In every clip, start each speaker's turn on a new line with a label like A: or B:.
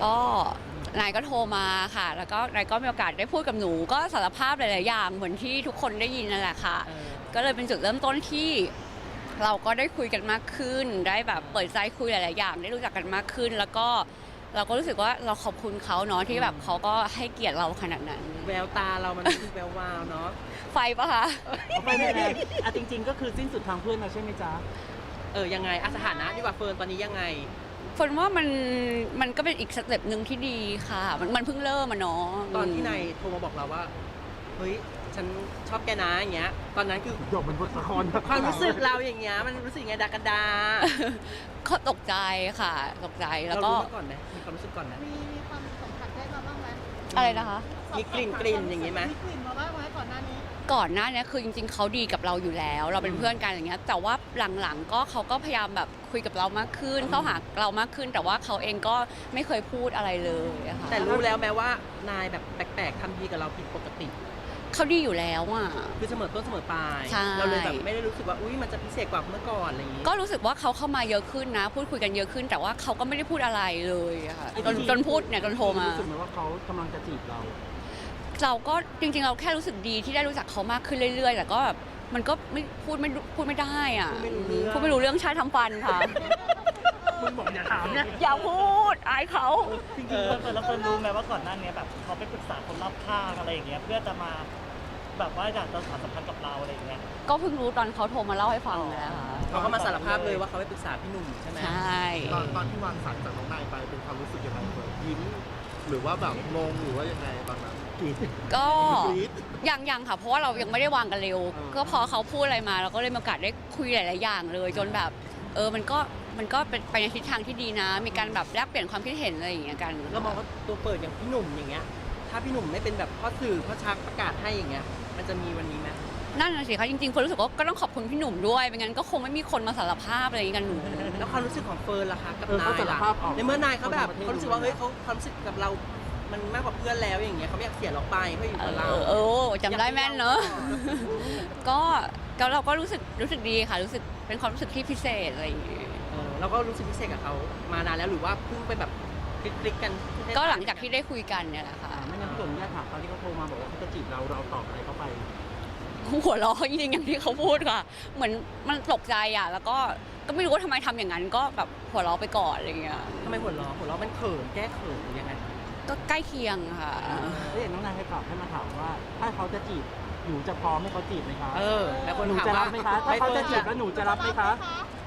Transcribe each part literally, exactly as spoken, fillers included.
A: ก็นายก็โทรมาค่ะแล้วก็นายก็มีโอกาสได้พูดกับหนูก็สารภาพหลายๆอย่างเหมือนที่ทุกคนได้ยินนั่นแหละค่ะก็เลยเป็นจุดเริ่มต้นที่เราก็ได้คุยกันมากขึ้นได้แบบเปิดใจคุยหลายๆอย่างได้รู้จักกันมากขึ้น แล้วก็เราก็รู้สึกว่าเราขอบคุณเขาเนาะที่แบบเขาก็ให้เกียรติเราขนาดนั้น
B: แววตาเรามันคือแวววาวเนาะ
A: ไฟปะคะ
C: ไม่ไม่ไม่อ่ะจริงๆก็คือสิ้นสุดทางเพื่อนเราใช่ไหมจ๊ะ
B: เออยังไงอ่ะสถานะดีกว่าเฟิร์นตอนนี้ยังไง
A: ฝนว่ามันมันก็เป็นอีกสเต็ปหนึ่งที่ดีค่ะมันมันเพิ่งเริ่มมาเนาะ
B: ตอนที่นายโทรมาบอกเราว่าเฮ้ยฉันชอบแกนะอย่างเงี้ยตอนนั้นคือ
C: จบเป็นบทละคร
B: ความรู้สึกเราอย่างเงี้ยมันรู้สึกไงดากันดา
A: เขาตกใจค่ะตกใจแล้วก็
B: เรารู้มาก่อนไหมมีความรู้สึกก่อนไหม
D: มีมีความสัมผัสได้มาบ้างไหม
A: อะไรนะคะ
B: มีกลิ่นกลิ่นอย่างงี้ไหม
D: มีกลิ่นมาบ้างไหมก่อนหน้านี้
A: ก่อนหน้านี้คือจริงๆเขาดีกับเราอยู่แล้ว เราเป็นเพื่อนกันอย่างเงี้ยแต่ว่าหลังๆก็เขาก็พยายามแบบคุยกับเรามากขึ้นเข้าหาเรามากขึ้น แต่ว่าเขาเองก็ไม่เคยพูดอะไรเลยอะค่ะ
B: แต่รู้แล้วแม้ว่านายแบบแปลกๆทำดีกับเราผิดปกติ
A: เขาดีอยู่แล้วอ่ะ
B: คือเสมอต้นเสมอปลายเราเลยแบบไม่ได้รู้สึกว่าอุ้ยมันจะพิเศษกว่าเมื่อก่อนอะไรอย่างงี้
A: ก็รู้สึกว่าเขาเข้ามาเยอะขึ้นนะพูดคุยกันเยอะขึ้น แต่ว่าเขาก็ไม่ได้พูดอะไรเลยอะค่ะจนจนพูดเนี่ยจนโทรมา
C: รู้สึกไหมว่าเขากำลังจะจีบเรา
A: เราก็จริงๆเราแค่รู้สึกดีที่ได้รู้จักเขามากขึ้นเรื่อยๆแต่ก็แบบมันก็ไม่พูดไม่พูดไม่ได้อ่ะพูดไม่รู้เรื่องชาติทำฟันค่ะ
C: มึงบอกอย่าถามเนี่ย
A: อย่าพูดอายเขา
E: จริงๆเฟิร์นแล้วเฟิร์นรู้ไหมว่าก่อนหน้านี้แบบเขาไปปรึกษาคนรอบข้างอะไรอย่างเงี้ยเพื่อจะมาแบบว่าอยากจะสานสัมพันธ์กับเราอะไรอย่างเงี้ย
A: ก็เพิ่งรู้ตอนเขาโทรมาเล่าให้ฟังเลยค่ะ
B: เขาก็มาสารภาพเลยว่าเขาไปปรึกษาพี่หนุ่มใช่ไหม
A: ใช่
F: ตอนตอนที่วางสายจากน้องนายไปเป็นความรู้สึกยังไงเฟิร์นยิ้มหรือว่าแบบงงหรือว่ายังไงตอนนั้น
A: ก็ยังยังค่ะเพราะว่าเรายังไม่ได้วางกันเร็วก็พอเขาพูดอะไรมาเราก็เลยมีโอกาสได้คุยหลายๆอย่างเลยจนแบบเออมันก็มันก็เป็นไปในทิศทางที่ดีนะมีการแบบแลกเปลี่ยนความคิดเห็นอะไรอย่างเงี้ยกัน
B: เรามองว่าตัวเปิดอย่างพี่หนุ่มอย่างเงี้ยถ้าพี่หนุ่มไม่เป็นแบบพ่อสื่อพ่อชักประกาศให้อย่างเงี้ยมันจะมีวันนี้ไหม
A: นั่นน่ะสิคะจริงๆคนรู้สึกว่าก็ต้องขอบคุณพี่หนุ่มด้วยไม่งั้นก็คงไม่มีคนมาสารภาพอะไรอย่างงี้กันหนู
B: แล้วความรู้สึกของเฟิร์นล่ะคะกับนายล่ะในเมื่อนายเขาแบบเขารู้สึกว่าเฮ้ยเขาความรู้สึกกับเรามันมากกว่าเพื่อนแล้วอย่างเงี้ยเขาไม่อยากเสียเราไปเขาอยู่กับเรา
A: เออจำได้แม่นเนอะก็ก็เราก็รู้สึกรู้สึกดีค่ะรู้สึกเป็นความรู้สึกที่พิเศษอะไรอย่างเงี้ย
B: เราก็รู้สึกพิเศษกับเขามานานแล้วหรือว่าเพิ่งไปแบบคลิกๆกัน
A: ก็หลังจากที่ได้คุยกันเนี่ยแหละค่ะ
C: ไม่งั้นพี่หนุ่มญาติถามเขาที่เขาโทรมาบอกว่าเขาจะจีบเราเราตอบอะไรเขาไป
A: หัวเราะจริงๆอย่างที่เขาพูดค่ะเหมือนมันตกใจอ่ะแล้วก็ก็ไม่รู้ว่าทำไมทำอย่างนั้นก็แบบหัวเราะไปก่อนอะไรเงี้ย
B: ทำไมหัวเราะหัวเราะมันเขินแก้เขินหรือยังไง
A: ก็ใกล้เคียงค่ะ
C: แล้วอย่างน้องนายให้ตอบให้มาถามว่าถ้าเขาจะจีบหนูจะพร้อมให้เขาจีบไหมคะ
B: เออแล้วคน
C: หนูจะรับไหมคะถ้าเขาจะจีบแล้วหนูจะรับไหมคะ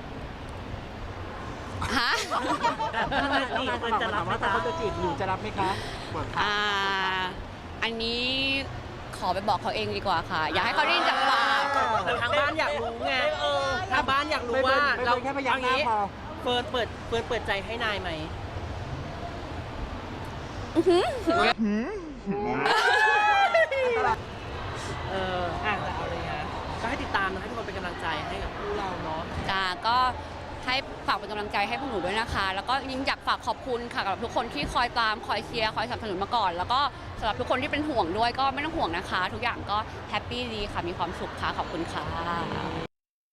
A: ฮะ
C: น้องนายเฟิร์นจะรับว่าถ้าเขาจะจีบหนูจะรับไหมคะ
A: อ่าอันนี้ขอไปบอกเขาเองดีกว่าค่ะอยากให้เขาได้ยินจากปาก
B: ทางบ้านอยากรู้ไงทางบ้านอยากรู้ว่าเรา
C: แค่พยายามนี้
B: เฟิร์นเปิดเฟิร์นเปิดใจให้นายไหมเอออ่ะเอาเลยฮะก็ให้ติดตามนะให้ทุกคนเป็นกำลังใจให้กับคู่เราเนาะ
A: จ้าก็ให้ฝากเป็นกำลังใจให้พวกหนูด้วยนะคะแล้วก็ยิ่งอยากฝากขอบคุณค่ะกับทุกคนที่คอยตามคอยเชียร์คอยสนับสนุนมาก่อนแล้วก็สำหรับทุกคนที่เป็นห่วงด้วยก็ไม่ต้องห่วงนะคะทุกอย่างก็แฮปปี้ดีค่ะมีความสุขค่ะขอบคุณค่ะ